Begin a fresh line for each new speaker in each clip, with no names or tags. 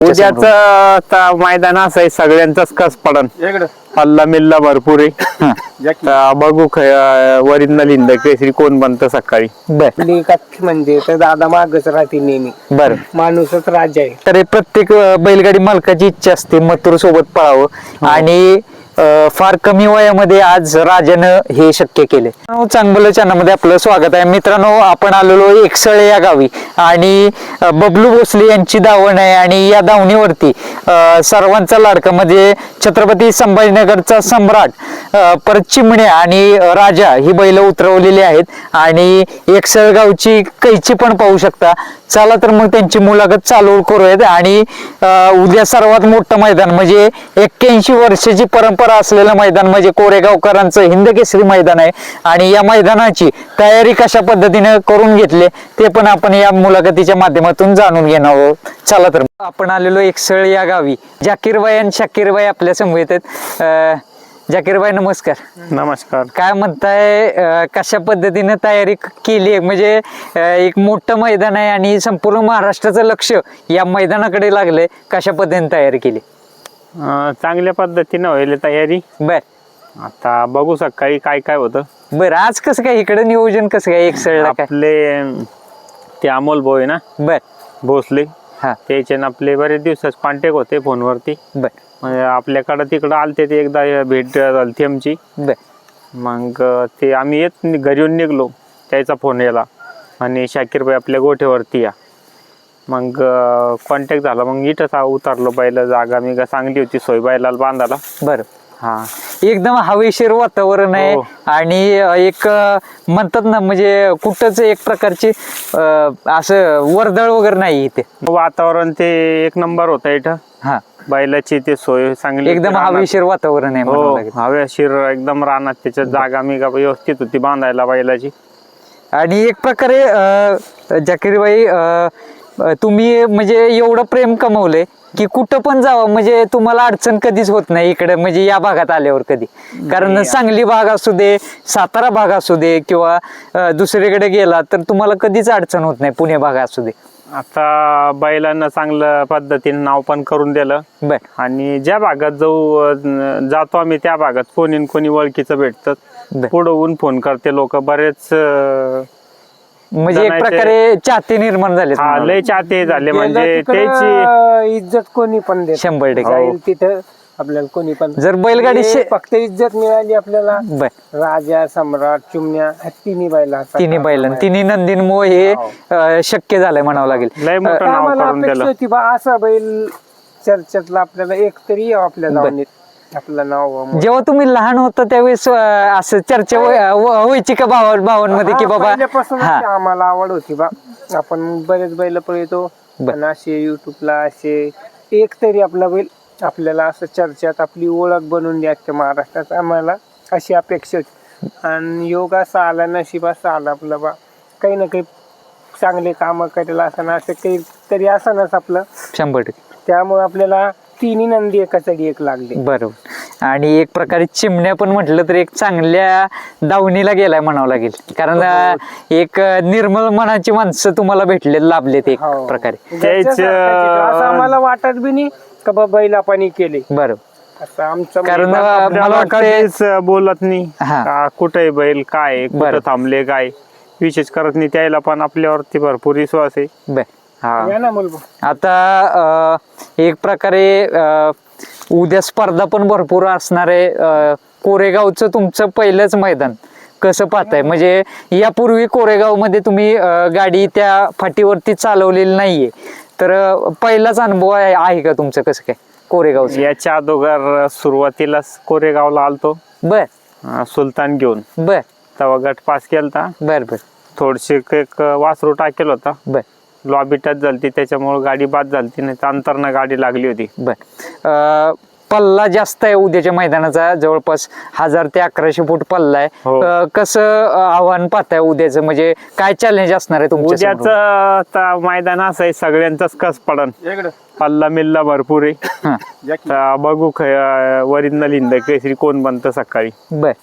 उद्याच मैदान असं आहे सगळ्यांचाच कस पडन. हल्ला मिल्ला भरपूर आहे. बघू वरील लिंद केसरी कोण बनतं सकाळी.
म्हणजे तर दादा मागच राहते नेहमी.
बर
माणूसच राजा आहे.
तर प्रत्येक बैलगाडी मालकाची इच्छा असते मथुर सोबत पळावं आणि फार कमी वयामध्ये आज राजानं हे शक्य केले. चांगलं चॅनलमध्ये आपलं स्वागत आहे मित्रांनो. आपण आलेलो एकसळे या गावी आणि बबलू भोसले यांची दावण आहे आणि या दावणीवरती सर्वांचा लाडका म्हणजे छत्रपती संभाजीनगरचा सम्राट परत चिमण्या आणि राजा ही बैल उतरवलेली आहेत आणि एकसळ गावची कैची पण पाहू शकता. चला तर मग त्यांची मुलाखत चालू करूयात. आणि उद्या सर्वात मोठं मैदान म्हणजे 81 वर्षाची परंपरा असलेलं मैदान म्हणजे कोरेगावकरांचं हिंदकेसरी मैदान आहे आणि या मैदानाची तयारी कशा पद्धतीने करून घेतले ते पण आपण या मुलाखतीच्या माध्यमातून जाणून घेणार आहोत. चला तर आपण आलेलो एकसळ या गावी. जाकीरबाई आणि शाकीरबाई आपल्या समोर येतात. जाकीरबाई नमस्कार.
नमस्कार.
काय म्हणताय कशा पद्धतीने तयारी केली म्हणजे एक मोठं मैदान आहे आणि संपूर्ण महाराष्ट्राचं लक्ष या मैदानाकडे लागलंय. कशा पद्धतीने तयारी केली?
चांगल्या पद्धतीने होईल तयारी.
बर
आता बघू सकाळी काय काय होतं.
बर आज कसं काय इकडे नियोजन कसं काय एकसळला काय?
आपले ते अमोल भाऊ आहे ना
बर
भोसले
हा
त्याचे आपले बरेच दिवसाच कॉन्टॅक्ट होते फोनवरती.
बर
म्हणजे आपल्याकडं तिकडं आलते ते एकदा भेट झाली आमची.
बर
मग ते आम्ही घरी येऊन निघलो त्याचा फोन याला आणि शाकीरबाई आपल्या गोठ्यावरती या. मग कॉन्टॅक्ट झाला. मग इथंच उतरलो. बैल जागा मी चांगली होती सोय बैलाला बांधायला.
बर
हा
एकदम हवेशीर वातावरण आहे
हो.
आणि एक म्हणतात ना म्हणजे कुठंच एक प्रकारची असं वर्दळ वगैरे नाही इथे.
वातावरण ते एक नंबर होतं इथं.
हा
बैलाची ते सोय चांगली
एकदम
होती.
हवेशीर वातावरण आहे म्हणावं लागेल.
हो हवेशीर एकदम रानात त्याच्यात जागा मी व्यवस्थित होती बांधायला बैलाची.
आणि एक प्रकारे जाकीरबाई तुम्ही म्हणजे एवढं प्रेम कमवलंय की कुठं पण जावं म्हणजे तुम्हाला अडचण कधीच होत नाही इकडे म्हणजे या भागात आल्यावर कधी. कारण सांगली भाग असू दे सातारा भाग असू दे किंवा दुसरीकडे गेला तर तुम्हाला कधीच अडचण होत नाही पुणे भाग असू दे.
आता बैलांना चांगल्या पद्धतीने नाव पण करून दिलं.
बर
आणि ज्या भागात जातो आम्ही त्या भागात कोणी ओळखीचं भेटतात. पुढं होऊन फोन करते लोक बरेच.
म्हणजे एक प्रकारे चाहते निर्माण झाले.
लय चाहते झाले म्हणजे
तिकडं
त्याची
इज्जत कोणी पण देत.
100%
जाईल तिथं आपल्याला कोणी पण
जर बैलगाडी
फक्त इज्जत मिळाली आपल्याला.
बर
राजा सम्राट चिमण्या तिन्ही बैला
तिन्ही नंदीन मोह हे शक्य झालंय म्हणावं लागेल.
लय मोठं नाव करून दिलं.
होती बा असा बैल चर्चेतला आपल्याला एक तरी यावं आपल्या गावाने आपलं नाव.
जेव्हा तुम्ही लहान होता त्यावेळेस असं चर्चा व्हायची का भावांमध्ये की बाबा
पहिल्यापासून आम्हाला आवड होती बा. आपण बरेच बैल पळतो पण असे युट्यूबला असे एक तरी आपला बैल आपल्याला असं चर्चेत आपली ओळख बनवून द्यायची महाराष्ट्रात आम्हाला अशी अपेक्षा होती. आणि योग असा आला नशीब असा आला आपला बा काही ना काही चांगले काम करायला असं असं काही तरी असणच आपलं
100%.
त्यामुळे आपल्याला तिन्ही नंदी एकाचडी एक लागली.
बरोबर. आणि एक प्रकारे चिमण्या पण म्हटलं तर एक चांगल्या दावणीला गेलाय म्हणावं लागेल कारण एक निर्मळ मनाची माणसं तुम्हाला भेटले लाभलेत एक प्रकारे.
असं आम्हाला वाटत बी नाही का बा बैल आपण केले.
बरोबर.
असं आमचं
कारण मला वाटतं
बोलत नाही कुठे बैल काय कुठं थांबले काय विशेष करत नाही. त्याला पण आपल्यावरती भरपूर विश्वास आहे.
बर
या ना मुलगा.
आता एक प्रकारे उद्या स्पर्धा पण भरपूर असणार आहे. कोरेगावचं तुमचं पहिलंच मैदान कसं पाहताय म्हणजे यापूर्वी कोरेगाव मध्ये तुम्ही गाडी त्या फाटीवरती चालवलेली नाहीये तर पहिलाच अनुभव आहे का तुमचं कसं काय कोरेगावचं?
याच्या अगोदर सुरुवातीला कोरेगावला आलतो.
बर
सुलतान घेऊन.
बर
तेव्हा गट पास केलता.
बर बर
थोडीशी एक वासरू टाकेल होता.
बर
लॉबी टच झालती त्याच्यामुळे गाडी बाद झालती नाही अंतरनं गाडी लागली होती.
बर पल्ला जास्त आहे उद्याच्या मैदानाचा जवळपास 1000 ते 1100 फूट पल्ला आहे. कसं आव्हान पाहताय उद्याचं म्हणजे काय चॅलेंज असणार आहे तुमच्या?
उद्याचं मैदान असं आहे सगळ्यांचाच कस पडन. पल्ला मिल्ला भरपूर आहे.
हा.
तर बघू ओरिजिनल हिंद केसरी कोण बनतं सकाळी.
बर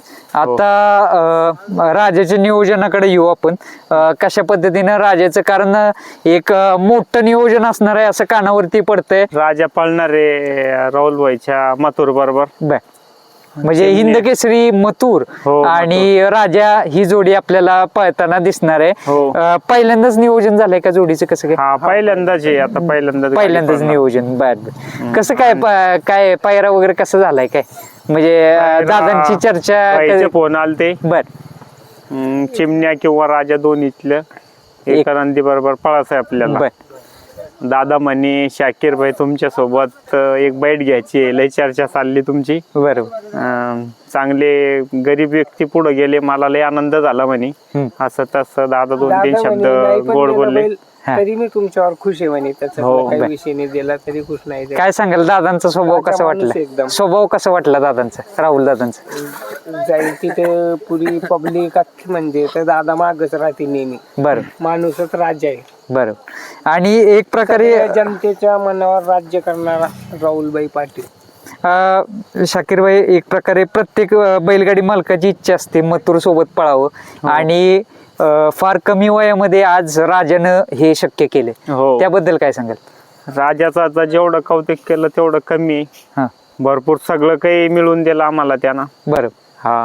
आता राजाच्या नियोजनाकडे येऊ आपण. कशा पद्धतीनं राजाचं, कारण एक मोठं नियोजन असणार आहे असं कानावरती पडतंय.
राजा पळणार आहे राहुल भाईच्या मथुर बरोबर.
बर म्हणजे हिंद केसरी मथुर
हो,
आणि राजा ही जोडी आपल्याला पळताना दिसणार आहे.
हो.
पहिल्यांदाच नियोजन झालंय का जोडीचं? कसं काय?
हा पहिल्यांदाच आहे आता.
पहिल्यांदाच नियोजन. बर कसं काय काय पायरा वगैरे कसं झालाय काय? म्हणजे दादांची चर्चा.
फोन आलते.
बर
चिमण्या किंवा राजा दोन्हीतलं एका नंदी बरोबर पळायचं आहे आपल्याला.
बर
दादा म्हणे शाकीर भाई तुमच्या सोबत एक बैठ घ्यायची आहे, लय चर्चा चालली तुमची.
बरोबर.
चांगले गरीब व्यक्ती पुढे गेले, मला लय आनंद झाला म्हणे. असं तसं दादा 2-3
दादा
शब्द
म्हणे, नाही पण
गोड
गेला
बोलले.
बैल, तरी मी तुमच्यावर खुश आहे म्हणे. त्याचा
हो,
काही
बर.
विषय नाही दिला तरी खुश नाही ते.
काय सांगाल दादांचा स्वभाव
राजा
कसा
माणूस
वाटला?
एकदम.
स्वभाव कसा वाटला दादांचा, राहुल दादांचा?
जाईल तिथे पुरी पब्लिक अख्खी म्हणजे तर दादा मागच राहते नेहमी.
बरं
माणूसच राज्य आहे.
बरं. आणि एक प्रकारे
सगळ्या जनतेच्या मनावर राज्य करणारा राहुलभाई पाटील.
शाकीर भाई, एक प्रकारे प्रत्येक बैलगाडी मालकाची इच्छा असते मथुर सोबत पळावं आणि फार कमी वयामध्ये आज राजानं हे शक्य केले.
हो.
त्याबद्दल काय सांगाल?
राजाचं आता जेवढं कौतुक केलं तेवढं कमी आहे.
हा
भरपूर सगळं काही मिळून दिलं आम्हाला त्यानं.
बरं.
हा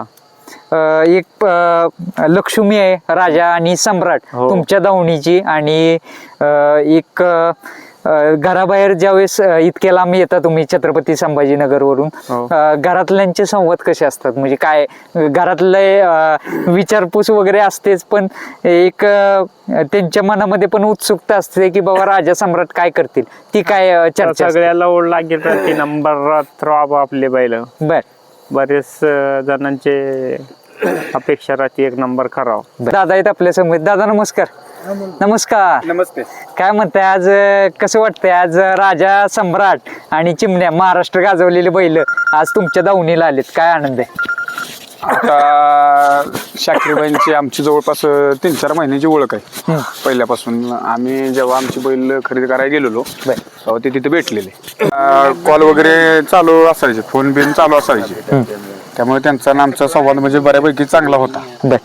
एक लक्ष्मी आहे राजा आणि सम्राट
हो.
तुमच्या दावणीची. आणि एक घराबाहेर ज्यावेळेस इतक्या लांब येता तुम्ही छत्रपती संभाजीनगर वरून,
हो.
घरातल्यांचे संवाद कसे असतात? म्हणजे काय घरातले विचारपूस वगैरे असतेच, पण एक त्यांच्या मनामध्ये पण उत्सुकता असते की बाबा राजा सम्राट काय करतील, ती काय चर्चा असते?
सगळ्याला ओढ लागेल ती नंबरात राहावं आपले बैल.
बर.
बरेच जणांचे अपेक्षा राहते एक नंबर करावं.
दादा आहेत आपल्या समोर. दादा नमस्कार. नमस्कार.
नमस्ते.
काय म्हणताय आज? कसं वाटतंय आज राजा सम्राट आणि चिमण्या महाराष्ट्र गाजवलेले बैल आज तुमच्या दावणीला आलेत? काय आनंद आहे?
आता शाकीरबाईंची आमची जवळपास 3-4 महिन्याची ओळख आहे. पहिल्यापासून आम्ही जेव्हा आमची बैल खरेदी करायला गेलेलो तेव्हा ते तिथे भेटलेले. कॉल वगैरे चालू असायचे, फोन बिन चालू असायचे, त्यामुळे त्यांचा आणि आमचा संवाद म्हणजे बऱ्यापैकी चांगला होता.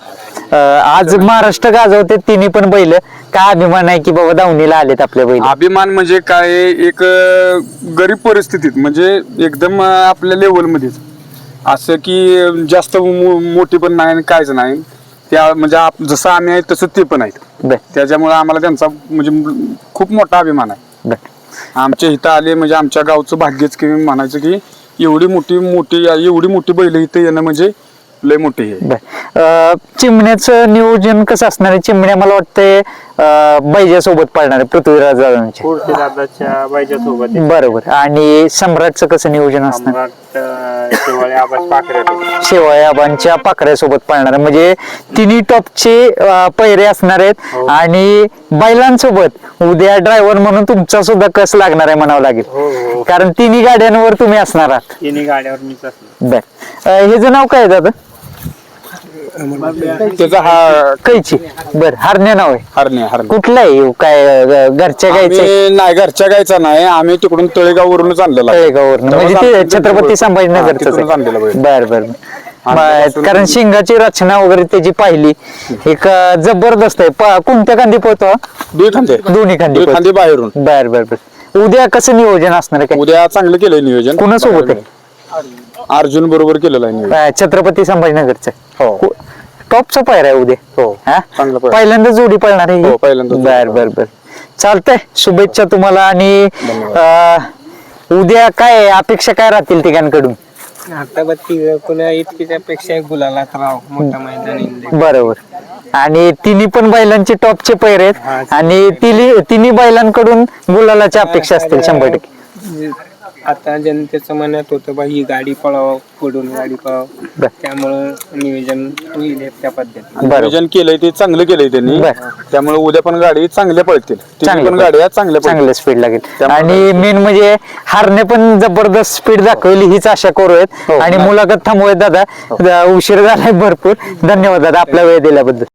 आज महाराष्ट्र गाजवते तिन्ही पण बैल. काय अभिमान आहे की बाबा दावणीला आलेत आपले बैल?
अभिमान म्हणजे काय, एक गरीब परिस्थितीत म्हणजे एकदम आपल्या लेवलमध्येच, असं की जास्त मोठी पण नाही आणि कायच नाही, त्या म्हणजे जसं आम्ही आहे तसं ते पण आहेत. त्याच्यामुळे आम्हाला त्यांचा म्हणजे खूप मोठा अभिमान आहे. आमच्या इथं आले म्हणजे आमच्या गावचं भाग्यच की म्हणायचं की एवढी मोठी बैल इथं येणं म्हणजे लय मोठी आहे.
चिमण्याचं नियोजन कसं असणार आहे? चिमण्या मला वाटतंय बैजा सोबत पळणार आहे, पृथ्वीराज दादांचे.
दादाच्या बाईच्या सोबत.
बरोबर. आणि सम्राटचं कसं नियोजन असणार? शेवाळे आबांच्या पाखऱ्यासोबत पळणार आहे. म्हणजे तिन्ही टॉपचे पैरे असणार आहेत. आणि बैलांसोबत उद्या ड्रायव्हर म्हणून तुमचा सुद्धा कस लागणार आहे म्हणावं लागेल, कारण तिन्ही गाड्यांवर तुम्ही असणार आहात.
तिन्ही गाड्यावर मीच असणार.
बर. ह्याचं नाव काय आहे दादा?
त्याचा हा
कैची. बर. हरण्या नाव आहे.
हरणे
कुठला आहे? काय घरच्या गायचं?
नाही, घरच्या गायचा नाही, आम्ही तिकडून तळेगाववरूनच आणलेला.
तळेगाववरून. म्हणजे ते छत्रपती संभाजीनगरचं.
आणलेलं बैल.
बर बर. कारण शिंगाची रचना वगैरे त्याची पाहिली, एक जबरदस्त आहे. कोणत्या खांदी पोहतो? दोन्ही खांदी
बाहेरून.
बर बर बर. उद्या कसं नियोजन असणार आहे?
उद्या चांगलं केलंय नियोजन.
कोणासोबत आहे?
अर्जुन बरोबर केलेलं आहे नियोजन.
छत्रपती संभाजीनगरचं.
हो.
टॉपचा पायरा आहे उद्या.
हो.
हा?
चांगला पायरा.
पहिल्यांदा जोडी पळणार आहे?
हो, पहिल्यांदा जोडी
बर बर बर. चालतंय. शुभेच्छा तुम्हाला. आणि उद्या काय अपेक्षा काय राहतील तिघांकडून?
आता बघ पुन्हा इतकीच अपेक्षा गुलाला राव मोठा मैदान.
बरोबर. आणि तिन्ही पण बैलांचे टॉपचे पैर आहेत आणि तिन्ही बैलांकडून गुलालाच्या अपेक्षा असतील 100%.
आता जनतेचं मनात होतं बा ही गाडी पळावं, पुढून गाडी पळावं, त्यामुळं नियोजन होईल त्या पद्धतीने.
नियोजन केलंय ते चांगलं केलंय त्यांनी, त्यामुळे उद्या पण गाडी चांगल्या पळतील. पण गाड्या चांगल्या
स्पीड लागेल. आणि मेन म्हणजे हारने पण जबरदस्त स्पीड दाखवली हीच आशा करूयात. आणि मुलाखत थांबवूयात दादा, उशीर झालाय भरपूर. धन्यवाद दादा आपला वेळ दिल्याबद्दल.